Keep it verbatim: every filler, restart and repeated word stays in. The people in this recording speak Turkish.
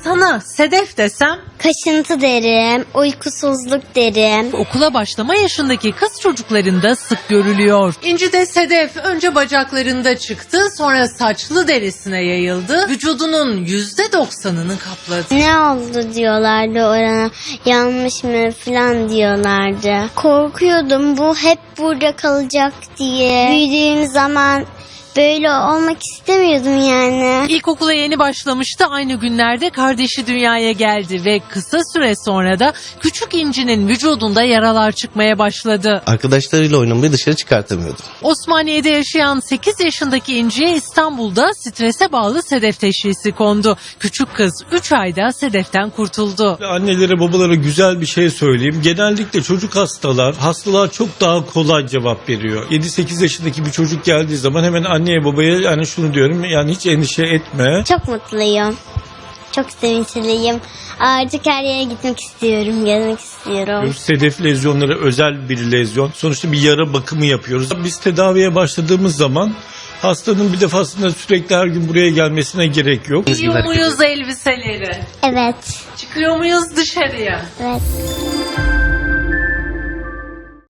Sana Sedef desem? Kaşıntı derim, uykusuzluk derim. Okula başlama yaşındaki kız çocuklarında sık görülüyor. İnci de Sedef önce bacaklarında çıktı, sonra saçlı derisine yayıldı. Vücudunun yüzde doksanını kapladı. Ne oldu diyorlardı orana, yanmış mı falan diyorlardı. Korkuyordum bu hep burada kalacak diye. Büyüdüğüm zaman böyle olmak istemiyordum yani. İlkokula yeni başlamıştı, aynı günlerde kardeşi dünyaya geldi ve kısa süre sonra da küçük İnci'nin vücudunda yaralar çıkmaya başladı. Arkadaşlarıyla oynamayı dışarı çıkartamıyordu. Osmaniye'de yaşayan sekiz yaşındaki İnci'ye İstanbul'da strese bağlı sedef teşhisi kondu. Küçük kız üç ayda sedeften kurtuldu. Annelere babalara güzel bir şey söyleyeyim. Genellikle çocuk hastalar, hastalığa çok daha kolay cevap veriyor. yedi sekiz yaşındaki bir çocuk geldiği zaman hemen anneye babaya yani şunu diyorum, yani hiç endişe etme. Çok mutluyum. Çok sevinçliyim. Artık her yere gitmek istiyorum, gezmek istiyorum. Sedef lezyonları özel bir lezyon. Sonuçta bir yara bakımı yapıyoruz. Biz tedaviye başladığımız zaman hastanın bir defasında sürekli her gün buraya gelmesine gerek yok. Giyiyor muyuz elbiseleri? Evet. Çıkıyor muyuz dışarıya? Evet.